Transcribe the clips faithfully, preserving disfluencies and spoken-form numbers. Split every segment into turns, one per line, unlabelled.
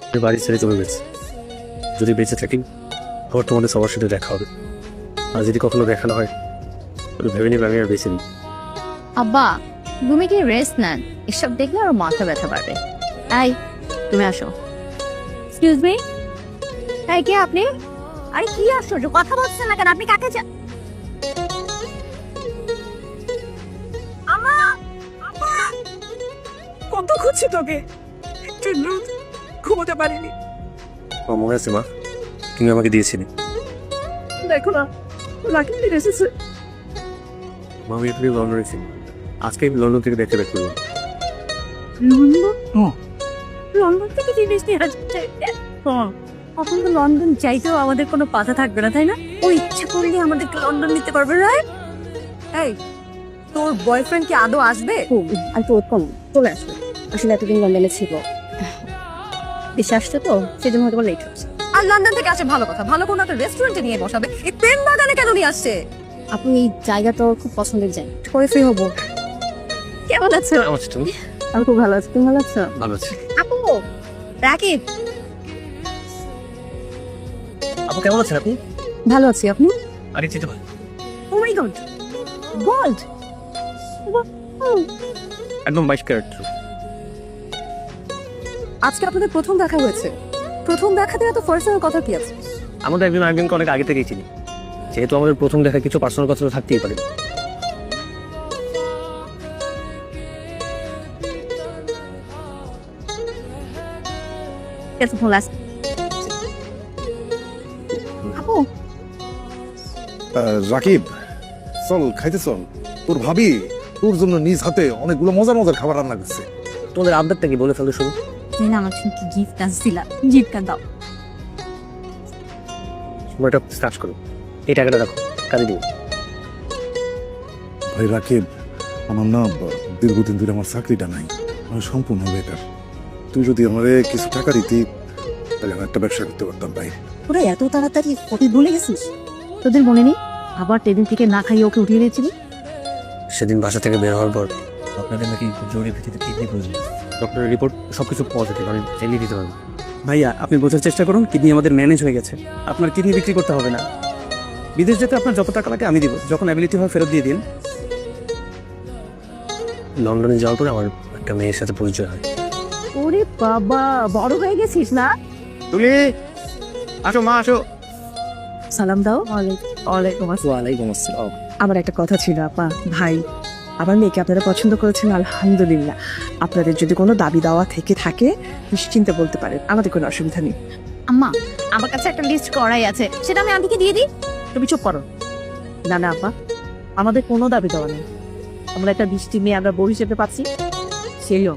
বাড়ি ছেড়ে চলে গেছে। যদি বেঁচে থাকি আবার তোমাদের সবার সাথে দেখা হবে, আর যদি কখনো দেখা না হয় তাহলে ভেবে নিবে আমি আর বেঁচে নেই।
আব্বা তুমি কি রেস্ট নেন, এসব দেখলে আর মাথা ব্যথা পারবে। এই তুমি আসো। এক্সকিউজ মি, এই কে আপনি? আরে কি আশ্চর্য, কথা বলছেন না কেন? আপনি কাকে চা
কত খুঁজছি তোকে, একটু রোদ ঘুমোতে পারিনি।
আমার মনে আছে মা, তুমি আমাকে দিয়েছিলে।
দেখো না রাকিব ফিরে এসেছে।
মা আমি এখানে লন্ডনে ছিলাম, আজকে আমি লন্ডন থেকে দেখতে ব্যাক করলাম।
লন্ডন?
লন্ডন থেকে জিনিস নিয়ে আসছে। এখন তো লন্ডন চাইতেও আমাদের কোনো পাতা থাকবে না, তাই না? ও ইচ্ছা করলে আমাদেরকে লন্ডন নিতে পারবে, রাইট?
এই তোর বয়ফ্রেন্ড কি আদৌ আসবে?
আর তো কম চলে আসবে, আসলে এতদিন লন্ডনে ছিল, দেশে আসছে তো সেজন্য হয়তো লেট হচ্ছে।
আর লন্ডন থেকে আসে ভালো কথা, ভালো কোনো একটা রেস্টুরেন্টে নিয়ে বসাবে। এই প্রেম বাগানে কেন নিয়ে আসছে?
আপনি এই জায়গা তো খুব পছন্দের জায়গা,
করে ফ্রি হবো।
কেমন আছো?
কেমন আছো তুমি?
আমি খুব ভালো আছি, তুমি ভালো আছো?
ভালো আছি।
আপু, রাকিব
আপু কেমন আছেন আপনি?
ভালো আছি, আপনি?
আরে চিন্তা ভাই,
ও মাই গড, গোল্ড!
একদম বাইশ ক্যারেট।
আজকে আপনাদের প্রথম দেখা হয়েছে, প্রথম দেখাতে এত পার্সোনাল কথা কি আছে?
আমাদের একজন একজনকে অনেক আগে থেকেই চিনি, যেহেতু আমাদের প্রথম দেখা কিছু পার্সোনাল কথা তো থাকতেই পারে।
কেসে ফোন লাস্ট। আপু
আহ, রাকিব চল খাইতে চল, তোর ভাবি তোর জন্য নিজ হাতে অনেকগুলো মজার মজার খাবার রান্না করছে।
তোমাদের আবদারটা কি বলে ফেলো শুরু।
তুমি না আমার জন্য কি গিফট আসছিলা, গিফটটা দাও।
সময়টা কাজ করো, এই টাকাটা রাখো, কাজে দিও।
ভাই রাকিব, আমার না ব- দীর্ঘদিন ধরে আমার চাকরিটা নাই, আমি সম্পূর্ণ বেকার। তুই যদি আমারে কিছু টাকা দিতি তাহলে আমি একটা ব্যবসা করতে পারতাম ভাই।
তোরা এত তাড়াতাড়ি কবে ভুলে গেছিস? তোদের মনে নেই আবার ট্রেনিং থেকে না খাইয়ে ওকে উঠিয়ে নিয়েছিলি?
সেদিন বাসা থেকে বের হওয়ার পর আপনাদের নাকি জরুরি ভিত্তিতে কিডনি প্রয়োজন। ডক্টরের রিপোর্ট সবকিছু পজিটিভ, আমি চাইলেই দিতে পারবো।
ভাইয়া আপনি বোঝার চেষ্টা করুন, কিডনি আমাদের ম্যানেজ হয়ে গেছে, আপনার কিডনি বিক্রি করতে হবে না। বিদেশ যেতে আপনার যত টাকা লাগে আমি দিব, যখন অ্যাবিলিটি হয় ফেরত দিয়ে দিন।
লন্ডনে যাওয়ার পরে আমার একটা মেয়ের সাথে পরিচয় হয়।
ওরে বাবা, বড় হয়ে গেছিস না?
তুলি আসো মা আসো।
সালাম দাও। ওয়ালাইকুম আসসালাম।
ওয়ালাইকুম আসসালাম।
আমার একটা কথা ছিল আপা, ভাই আমার মেয়েকে আপনারা পছন্দ করেছেন, আলহামদুলিল্লাহ। আপনাদের যদি কোনো দাবি দাওয়া থেকে থাকে নিশ্চিন্তে বলতে পারেন, আমাদের কোনো অসুবিধা নেই।
আম্মা আমার কাছে একটা লিস্ট করাই আছে, সেটা আমি আন্টিকে দিয়ে দিই।
তুমি চুপ করো। না না আপা, আমাদের কোনো দাবি দেওয়া নেই। আমরা একটা বৃষ্টি মেয়ে আমরা বউ হিসেবে পাচ্ছি, সেইও।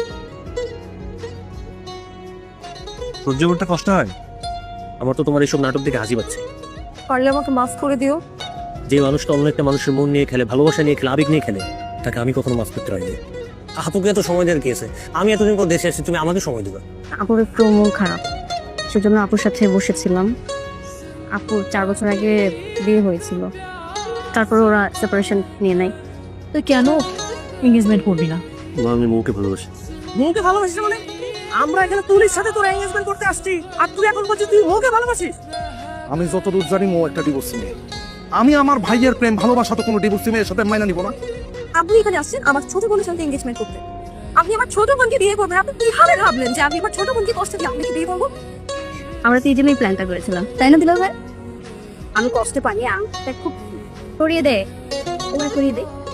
সহ্য করতে কষ্ট হয় আমার, তো তোমার এইসব নাটক দেখে হাসি পাচ্ছে।
পারলে আমাকে মাফ করে দিও।
যে মানুষটা অন্য একটা মানুষের মন নিয়ে খেলে, ভালোবাসা নিয়ে খেলে, আবেগ নিয়ে খেলে, তাকে আমি কখনো মাফ করতে পারিনি। আপুকে এত সময় দেওয়ার কি আছে? আমি এতদিন পর দেশে আসছি, তুমি আমাকে সময় দিবা।
আপুর একটু মন খারাপ, সেজন্য আপুর সাথে বসেছিলাম। আপুর চার বছর আগে বিয়ে হয়েছিল, তারপর ওরা সেপারেশন নিয়ে নেয়। তো কেন এঙ্গেজমেন্ট করবি না?
মা, আমি মৌকে ভালোবাসি।
মৌকে ভালোবাসিস মানে? আমরা এখানে তুলির সাথে তোর এঙ্গেজমেন্ট করতে আসছি, আর তুই এখন বলছিস তুই মৌকে ভালোবাসিস?
আমি যতদূর জানি মো একটা ডিভোর্সি মেয়ে। আমি আমার ভাইয়ের প্রেম ভালোবাসা তো কোনো ডিভোর্সি মেয়ের সাথে মাইনা নিব না।
আপনি এখানে আসছেন আমার ছোট বোনের সাথে এঙ্গেজমেন্ট করতে। আপনি আমার ছোট বোনকে বিয়ে করবেন? আপনি কিভাবে ভাবলেন যে আমি আমার ছোট বোনকে কষ্ট দিয়ে আপনাকে বিয়ে করবো?
আমরা তো এই জন্যই প্ল্যানটা করেছিলাম, তাই না দিলাম ভাই? আমি কষ্টে পানি আম খুব করিয়ে দে, ওরা করিয়ে দে।